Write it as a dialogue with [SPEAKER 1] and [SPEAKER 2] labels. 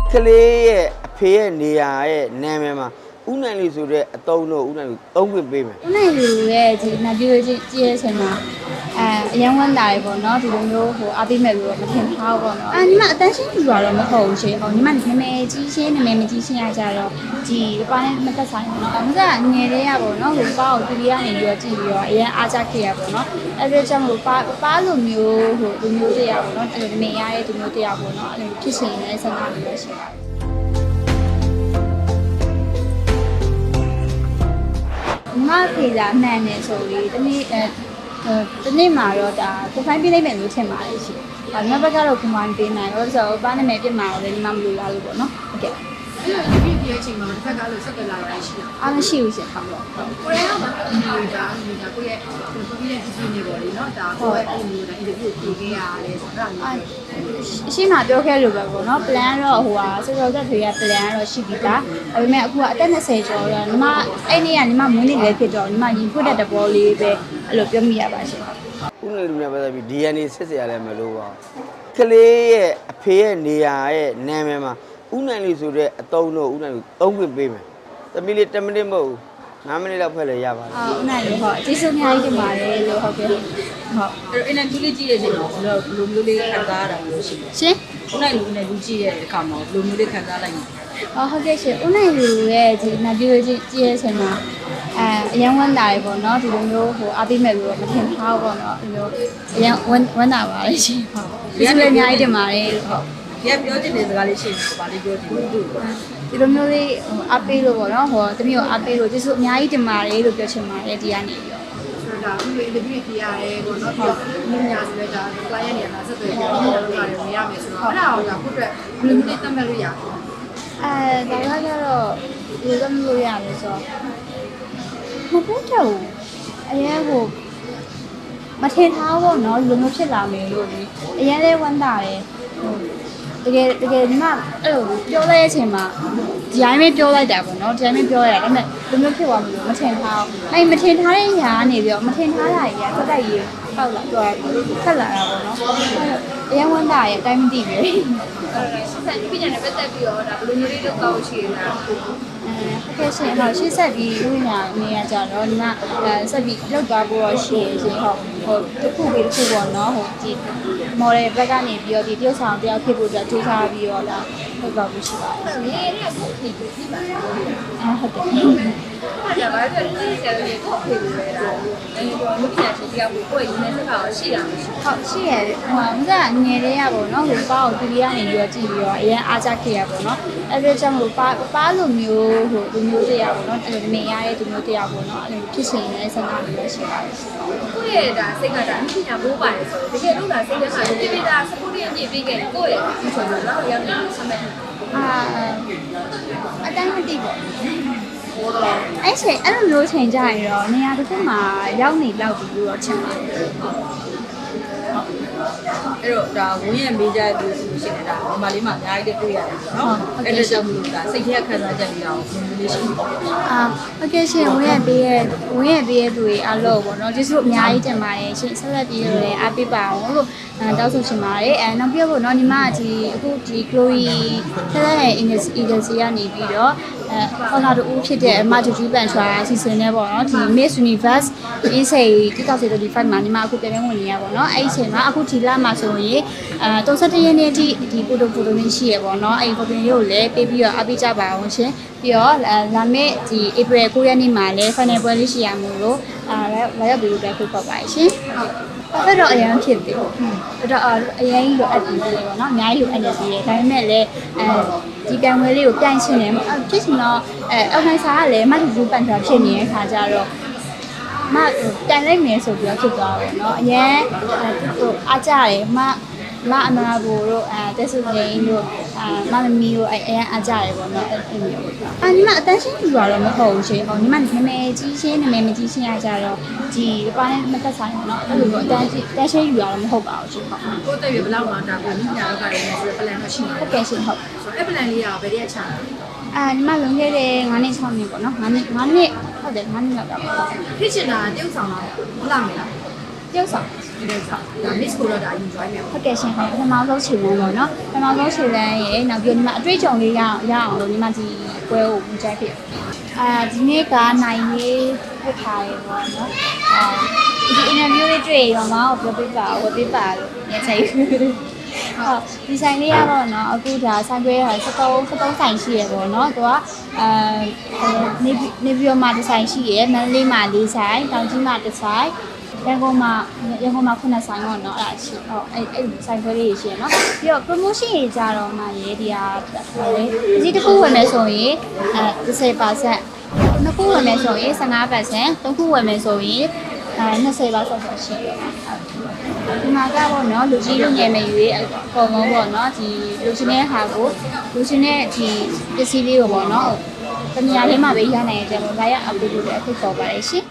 [SPEAKER 1] ကလေးရဲ့အဖေရဲ့နေရာရဲ့နာမည်မှာဦးနိုင်လေးဆိုတဲ့အတုံးတော့ဦးနိုင်လေးသုံးခွင့်ပေးမယ်
[SPEAKER 2] ဦးနိုင်လူရဲ့ဒီနာပြည့်ကြည့်ရတဲ့အချိန်မှာအရန်ဝမ်းတာရေပေါ့နော်ဒီလိုမျိုးဟိုအားပေးမဲ့လို့တော့မထင်ထားဘူးပေါ့နော်ညီမအတန်းရှင်းပြတော့မဟုတ်ဘူးရှင်ဟိုညီမနာမည်ကြီးရှင်းနာမည်မကြီးရှင်းရကြတော့ဒီပါနဲ့မသက်ဆိုင်ဘူးနော်အမကငယ်လေးရပေါ့နော်ဟိုပါကိုတူရီကနေပြီးတော့ကြည့်ပြီးတော့အရန်အားကြခဲ့ရပေါ့နော်အဲ့ဒါကြောင့်ဟိုပါလိုမျိုးဟိုလူမျိုးတရားပေါ့နော်အဲ့ဒီမရရဲ့လူမျိုးတရားပေါ့နော်အဲ့လိုဖြစ်ရှင်နေတဲ့ဆန္ဒမျိုးပဲရှိပါတယ်မဖေးလာမှန်နေဆိုပြီးတနေ့မှာတော့ဒါကိုဖိုင်းပေးလိုက်မယ်လို့ထင်ပါတယ်ရှင်။ဒါနောက်ဘက်ကတော့ကိုဖိုင်းပေးနိုင်တော့ဆိုတော့ပါနာမည်ပြစ်မှာလည်းဒီမှာမလို့ရလို့ပေါ့နော်။ဟုတ်ကဲ့။
[SPEAKER 3] အဲ့လိုဒီပြည့်အချိန်မှာတစ်ခါကလို့ဆက်ကြလာရရှိတာ
[SPEAKER 2] အားမရှိဘူးရှင်ဟုတ်တော့။
[SPEAKER 3] ကိုရဲကမှာဒါကိုရဲ့ကိုရဲ့ဒီနေပေါ်လေနော်ဒါကိုရဲ့အဲ့လိုဒါအင်တာဗျူးကိုပေးခဲ့ရတယ်ဆိုတာမျိုး
[SPEAKER 2] အရှိမပြောခဲ့လို့ပဲပေါ့နော် plan တော့ဟိုဟာစေစောသက်တွေရဲ့ plan တော့ရှိပြီးသားဒါပေမဲ့အခုကအသက်20ကျော်တော့ညီမအဲ့နေ့ကညီမမွေးနေ့လည်းဖြစ်တော့ညီမရင်ဖွက်တဲ့တဘောလေးပဲအဲ့လိုပြောမိရပါရှင်။
[SPEAKER 1] ဦးနိုင်လူများပဲပြီး DNA စစ်စရာလည်းမလိုပါဘူးကလေးရဲ့အဖေရဲ့နေရာရဲ့နာမည်မှာဦးနိုင်လေးဆိုတဲ့အတုံးတော့ဦးနိုင်လေးသုံးခွင့်ပေးမယ်သမီးလေး10မိနစ်မဟုတ်ဘူး9မိနစ်လောက်ဖက်လည်းရပါတယ်
[SPEAKER 2] ဦးနိုင်လို့ဟုတ်ကျေးဇူးအများကြီးတင်ပါတယ်လို့ဟုတ်ကဲ့ဟုတ်
[SPEAKER 3] အဲ့အင်တာဗျူးလေးကြည့်ရတဲ့အချိန်မှာဘယ်လိုမျိုးလေးခံစားရတာမျိုးရှိလဲ
[SPEAKER 2] ရှင်
[SPEAKER 3] ဦးနိုင်လူနဲ့လူကြည့်ရတဲ့အခါမှာဘယ်လိုမျိုးလေးခံစားလိုက်လဲ
[SPEAKER 2] ဟုတ်ကဲ့ရှင်ဦးနိုင်လူရဲ့ဒီနာပြည့်ကြည့်ရတဲ့အချိန်မှာအရန်ဝမ်းတာရေပေါ့နော်ဒီလိုမျိုးဟိုအားပေးမဲ့လို့တော့မထင်ထားဘူးပေါ့နော်အဲ့လိုအရန်ဝမ်းတာပါလေရှင်ဟုတ်ကျေးဇူးလည်းအများကြီးတင်ပါတယ်ဟုတ်
[SPEAKER 3] ဒီကပြောချင်တဲ့စကားလေးရှိတယ်ဗာလေးပြောချင်တယ်သူ့ကို
[SPEAKER 2] ဒီလိုမျိုးလေးအားပေးလို့ပေါ့နော်ဟိုတမီးကိုအားပေးလို့ကျေးဇူးအများကြီးတင်ပါတယ်လို့ပြောချင်ပါတယ်ဒီကနေပြီးတော့
[SPEAKER 3] ဒါအခုအင်တာဗျူးပြရရဲပေါ့နော်ပြီးတော့ညညာဆိုလဲဒါ client နေရာမှာဆက်သွယ်ပြီးတော့လုပ်ရတယ်မရမယ်ဆိုတော့အဲ့ဒါကိုဒါခုအတွက်ဘယ်လိုမျိုးလေးသတ်မှတ်လို့ရလဲ
[SPEAKER 2] ဒါကကြတော့ဒီလိုမျိုးရလို့ဆိုမဟုတ်တော့အရင်ဟိုမထင်ထားဘူးเนาะလူမျိုးဖြစ်လာမယ်လို့လေအရင်လဲဝမ်းတာတယ်ဟိုတကယ်ဒီမှာအဲ့လိုပြောလိုက်တဲ့အချိန်မှာဒီတိုင်းပဲပြောလိုက်တာပေါ့เนาะဒီတိုင်းပဲပြောရတာဒါပေမဲ့လူမျိုးဖြစ်သွားမလို့မထင်ထားဘူးအဲ့မထင်ထားတဲ့ညာကနေပြီးတော့မထင်ထားတာကြီးကတက်တက်ကြီးပေါက်လာတော့ဖက်လာတာပေါ့เนาะအရင်ဝမ်းတာရဲ့အတိုင်းမသိဘူး
[SPEAKER 3] အဲ့ဒါဆက်ပြီးပြန်နေပတ်သက်ပြီးတော့ဒါဘယ်လိုမျိုးလေးလုပ်တော့ရှိနေတာ
[SPEAKER 2] ဟုတ်ကဲ့ရှင်ဟုတ်ရှေ့ဆက်ပြီးဥညာနေရကြတော့ဒီမှာဆက်ပြီးလောက်သွားဖို့တော့ရှိရရှင်ဟုတ်ဟိုတစ်ခုပြီးတစ်ခုပေါ့နော်ဟိုဒီ model ဘက်ကနေပြီးတော့ဒီတရုပ်ဆောင်တယောက်ဖြစ်ဖို့အတွက်ကြိုးစားပြီးတော့လာဟုတ်ပါဘူးရှိပါတယ်ရှင်
[SPEAKER 3] ဒီနေ့ကိုဖြစ်ပြီးပြီပါ
[SPEAKER 2] ဟုတ်ကဲ့
[SPEAKER 3] အဲ့ဒါဘာလို့လဲဆရာတို့ကိုဖြစ်ပြီးလဲဒါအဲ့တော့လူပြချင်းတရားကိုကိုယ်ရင်းနေစကားရှိတာမရှိ
[SPEAKER 2] ဟုတ်ရှိရတယ်ဟိုကငယ်လေးရပေါ့နော်ဟိုပါကိုတူရီကနေပြီးတော့ကြည့်ပြီးတော့အရင်အားကြခဲ့ရပေါ့နော်အဲ့ဒါကြောင့်ဟိုပါလိုမျိုးဟိုလူမျိုးတရားပေါ့နော်အဲ့လိုမရရဲ့လူမျိုးတရားပေါ့နော်အဲ့လိုဖြစ်ရှင်နေတဲ့ဆန္ဒမျိုးပဲရှိပါတယ်ရှင်
[SPEAKER 3] ကိုယ့်ရဲ့ဒါစိတ်ကဒါအမြင့်ညာမိုးပါတယ်ဆိုတော့တကယ်လို့ဒါစိတ်ထဲမှာပြပြတာစပို့ရအမြင့်ပေးခဲ့ကိုယ့်ရဲ့ဒီဆိုတော့တော့ရောက်နေစမဲ့
[SPEAKER 2] အတိုင်းမသိပေါ့အဲ့ချိန်အဲ့လိုမျိုးချိန်ကြရင်တော့နေရာတစ်ခုမှာရောက်နေလောက်ပြီလို့တော့ထင်ပါတယ်
[SPEAKER 3] အဲ့တော့ဒါဝင်းရဲ့မေးကြတဲ့သူရှိနေတာဒီမှာလေးမှာအများကြီးတွေ့ရတယ်နော်အဲ့ဒါကြောင့်မလို့ဒါစိတ်ထဲခံစားချက်လေးတော့ဘယ်လိုလေးရှိလဲ
[SPEAKER 2] ဟုတ်ကဲ့ရှင်ဝင်းရပေးရဲ့သူတွေအားလုံးပေါ့နော်ကျေးဇူးအများကြီးတင်ပါတယ်ရှင်ဆက်လက်ပြီးတော့လည်းအားပေးပါအောင်လို့တောင်းဆိုချင်ပါတယ်နောက်ပြဖို့နော်ညီမဒီအခုဒီ Chloe ဆက်လက်ရဲ့ agency ကနေပြီးတော့ခေါလာတူဖြစ်တဲ့အမတူတူပန်ချွာအစီအစဉ်နဲ့ပေါ့နော်ဒီ Miss Universe အေးစိတ်2025မှာညီမအခုပြန်ဝင်နေရပါတော့အဲ့ဒီအချိန်မှာအခုဒီလမှာဆိုရင်31ရက်နေ့အထိဒီဖိုတိုလေးရှိရပေါ့နော်အဲ့ဒီဖိုတိုလေးကိုလည်းပေးပြီးတော့အားပေးကြပါအောင်ရှင်ပြီးတော့လာမယ့်ဒီ April 9ရက်နေ့မှာလည်း final ပွဲလေးရှိရမို့လို့လာရောက်ပြီးတော့ဖိတ်ခေါ်ပါရှင်ဟုတ်တော့အရင်ဖြစ်ပြီအဲ့တော့အရင်ကြီးလိုအပ်ပြီးတယ်ပေါ့နော်အများကြီးလိုအပ်နေသေးတယ်ဒါပေမဲ့လည်းဒီကံဝဲလေးကိုပြိုင်ချင်တယ်ဖြစ်ချင်တော့အောက်နိုင်စာကလည်းမတူတူပန်ထားဖြစ်နေတဲ့ခါကျတော့မတိုင်လိုက်မယ်ဆိုပြီးတော့ဖြစ်သွားတယ်เนาะအရင်ဟိုအားကြတယ်မအမနာဘူတို့တက်ဆုငိန်တို့မမမီတို့အရင်အားကြတယ်ပေါ့เนาะအဲ့လိုမျိုးပေါ့ညီမအတန်းရှင်းပြတော့မဟုတ်ဘူးရှင်ဟောညီမနာမည်ကြီးရှင်းနာမည်မကြီးရှင်းရကြတော့ဒီပါနဲ့မသက်ဆိုင်ဘူးเนาะအဲ့လိုပေါ့အတန်းရှင်းယူရတော့မဟုတ်ပါဘူးရှင်ဟုတ်
[SPEAKER 3] ကိုယ့်တက်ရဘယ်လောက်မှဒါကိုညညာတော့ပါတယ်ဆိုတော့ plan မရှိဘူး
[SPEAKER 2] ဟုတ်ကဲ့ရှင်ဟုတ်
[SPEAKER 3] ဆိုတော့အဲ့ plan လေးကဘယ်တည်းအချာ
[SPEAKER 2] ညီမလုံခဲ့တဲ့9နှစ်6နှစ်ပေါ့နော်9နှစ်ဟုတ်တယ်9နှစ်လောက်တာပေါ့
[SPEAKER 3] ဖြစ်ချင်တာတယောက်ဆောင်တော့ဟုတ်လားမလား
[SPEAKER 2] ပြုတ်ဆောင်
[SPEAKER 3] ဒီလိုဆောက်ဒါ miss ကိုတော့ဒါ enjoy မယ်
[SPEAKER 2] ဟုတ်ကဲ့ရှင်ပထမဆုံးခြေလမ်းပေါ့နော်ပထမဆုံးခြေလမ်းရဲ့နောက်ပြီးညီမအတွေ့အကြုံလေးရအောင်လို့ညီမဒီပွဲကိုဝင်ကြိုက်ဖြစ်ဒီနေ့ကနိုင်ရေးဖြစ်ထားရေပေါ့နော်ဒီ interview လေးတွေ့ရောမအောင်ပြောပြပါဝယ်ပြပါလို့ညချိတ်ဟုတ်ဒီဆိုင်လေးရတော့เนาะအခုဒါဆိုင်ခွဲဟာ73ဆိုင်ရှိရပေါ့เนาะသူကနေပြီးတော့မှဒီဆိုင်ရှိရမန္တလေးမှာ၄ဆိုင်တောင်ကြီးမှာ1ဆိုင်ရန်ကုန်မှာ9ဆိုင်ပေါ့เนาะအဲ့ဒါရှိဟုတ်အဲ့ဆိုင်ခွဲလေးရှိရเนาะပြီးတော့ promotion တွေကြတော့မှရေဒီဟာလေဒီတစ်ခုဝယ်မယ်ဆိုရင်10%နှစ်ခုဝယ်မယ်ဆိုရင်15%သုံးခုဝယ်မယ်ဆိုရင်20%လောက်ဆိုရှိတယ်ဒီမှာကပေါ့နော်လူကြီးလူငယ်မရွေးအကုန်လုံးပေါ့နော်ဒီလူချင်းတဲ့ဟာကိုလူချင်းတဲ့ဒီပစ္စည်းလေးကိုပေါ့နော်တမယာလေးမှာပဲရနိုင်ကြတယ်။ဒါရအပူပူလည်းအခုပေါ်ပါတယ်ရှင်